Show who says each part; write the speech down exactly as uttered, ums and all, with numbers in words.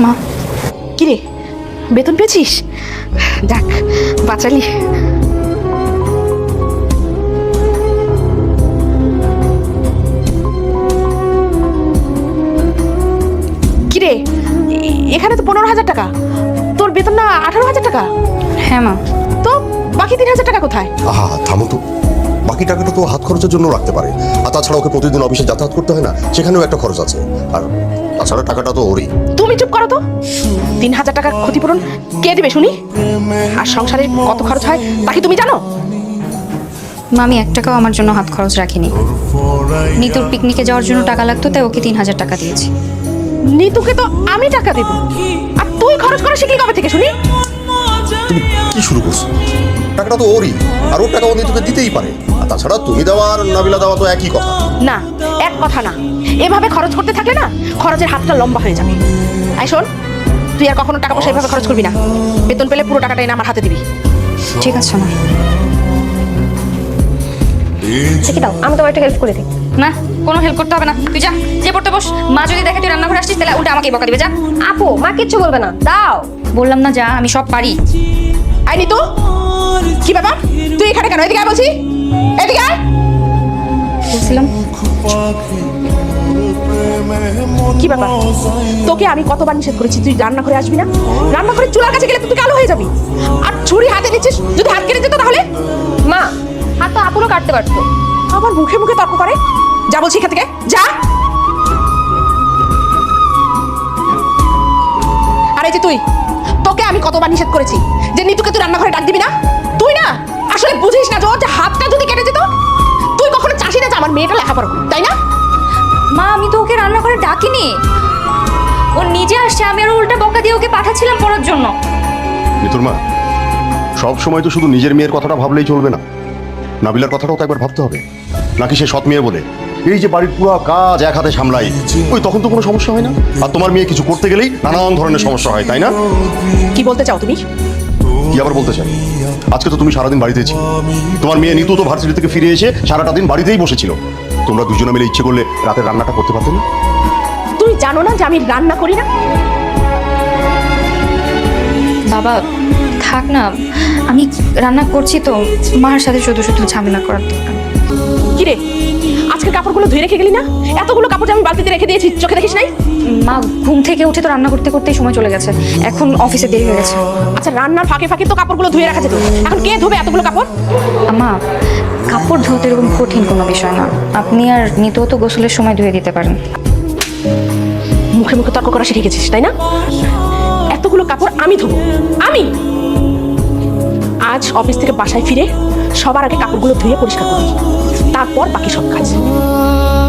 Speaker 1: মা
Speaker 2: কি রে, বেতন পেয়েছিস? যাক, বাঁচালি। কি রে, এখানে তো পনেরো হাজার টাকা, তোর বেতন না আঠারো হাজার টাকা?
Speaker 1: হ্যাঁ মা।
Speaker 2: তো বাকি তিন হাজার টাকা কোথায়?
Speaker 3: আহা থামো তো, বাকি টাকাটা তো হাত খরচের জন্য রাখতে পারে, আর তাছাড়া ওকে প্রতিদিন অফিসে যাতায়াত করতে হয় না, সেখানেও একটা খরচ আছে। আর তাছাড়া টাকাটা তো ওরই।
Speaker 2: তুমি চুপ করো তো। তিন হাজার টাকার ক্ষতিপূরণ কে দিবে শুনি? আর সংসারে কত খরচ হয় তা কি তুমি জানো?
Speaker 1: মা আমি এক টাকাও আমার জন্য হাত খরচ রাখিনি। নিতুর পিকনিকে যাওয়ার জন্য টাকা লাগতো, তাই ওকে তিন হাজার টাকা দিয়েছি।
Speaker 2: নিতুকে তো আমি টাকা দেব, আর তুই খরচ করা শিখলি কবে থেকে শুনি?
Speaker 3: তুমি কি শুরু করছো? টাকাটা তো ওরই, আর ওর টাকা ও নিতুকে দিতেই পারে। আর তাছাড়া তুমি দেওয়া আর নাবিলা দেওয়া তো একই কথা।
Speaker 2: না, এক কথা না। এভাবে খরচ করতে থাকলে না খরচের হাতটা লম্বা হয়ে যাবে। আই শোন, তুই আর কখনো টাকা পয়সা এভাবে খরচ করবি না। বেতন পেলে পুরো টাকাটা এনে আমার হাতে দিবি।
Speaker 1: ঠিক আছে মা।
Speaker 4: ঠিক দাও, আমি তোমার একটা হেল্প করে দিই।
Speaker 1: না, কোনো হেল্প করতে হবে না, তুই যা, যে পড়তে বস। মা যদি দেখে তুই রান্নাঘরে আসছিস তাহলে উল্টা আমাকে বকা দিবে। যা।
Speaker 4: আপু, মা কিচ্ছু বলবে না, দাও।
Speaker 1: বললাম না যা, আমি সব পারি।
Speaker 2: আই নিতু, কি ব্যাপার? তুই এখানে কেন? এদিকে আয় বলছি, এদিকে আয়।
Speaker 1: বলছিলাম
Speaker 2: কি ব্যাপার? তোকে আমি কতবার নিষেধ করেছি তুই রান্নাঘরে আসবি না? রান্নাঘরে চুলার কাছে গেলে তুই কালো হয়ে যাবি। আর ছুরি হাতে দিচ্ছিস, যদি হাত কেটে যেত তাহলে?
Speaker 4: মা, হাত তো আপুরও কাটতে পারতো।
Speaker 2: আবার মুখে মুখে তর্ক করে। যা বলছি এখান থেকে, যা। আর এই যে তুই, তোকে আমি কতবার নিষেধ করেছি যে নিতুকে তুই রান্নাঘরে ডাক দিবি না? তুই না আসলে বুঝিস না যে ওর যে হাতটা যদি কেটে যেত। তুই কখনো চাষি না যে আমার মেয়েটা লেখাপড়া করুক, তাই না?
Speaker 1: মা আমি তো ওকে রান্নাঘরে ডাকিনি, ও নিজে আসছে। আমি আর উল্টা বকা দিয়ে ওকে পাঠাচ্ছিলাম পড়ার জন্য।
Speaker 3: নিতুর মা, সব সময় তো শুধু নিজের মেয়ের কথাটা ভাবলেই চলবে না, নাবিলার কথাটাও তো একবার ভাবতে হবে। নাকি সে সৎ মেয়ে বলে এই যে বাড়ির পুরো কাজ এক হাতে সামলাই, ওই তখন তো কোনো সমস্যা হয় না? আর তোমার মেয়ে কিছু করতে গেলেই নানান ধরনের সমস্যা হয়, তাই না?
Speaker 2: কি বলতে চাও তুমি?
Speaker 3: কি আবার বলতে চাই? আজকে তো তুমি সারাদিন বাড়িতে ছিল, তোমার মেয়ে নিতু তো ভার্সিটি থেকে ফিরে এসে সারাটা দিন বাড়িতেই বসেছিল। তোমরা দুজনে মিলে ইচ্ছে করলে রাতের রান্নাটা করতে পারতে না?
Speaker 2: তুই জানো না যে আমি রান্না করি না?
Speaker 1: বাবা থাক না, আমি রান্না করছি তো, মার সাথে শুধু শুধু ঝামেলা করার দরকার।
Speaker 2: কি রে, আজকের কাপড়গুলো ধুয়ে রেখে গেলি না? এতগুলো কাপড় যে আমি বালতিতে রেখে দিয়েছি, চোখে দেখিস নাই?
Speaker 1: মা ঘুম থেকে উঠে তো রান্না করতে করতেই সময় চলে গেছে, এখন অফিসে দেরি হয়ে গেছে।
Speaker 2: আচ্ছা, রান্নার ফাঁকে ফাঁকে তো কাপড়গুলো ধুয়ে রাখা যেত, এখন কে ধোবে এতগুলো কাপড়?
Speaker 1: মা কাপড় ধুতে এরকম কঠিন কোনো বিষয় না, আপনি আর নিতেও তো গোসলের সময় ধুয়ে দিতে পারেন।
Speaker 2: মুখে মুখে তর্ক করা শিখে গেছিস, তাই না? এতগুলো কাপড় আমি ধোবো? আমি আজ অফিস থেকে বাসায় ফিরে সবার আগে কাপড়গুলো ধুয়ে পরিষ্কার করবি, তারপর বাকি সব কাজ।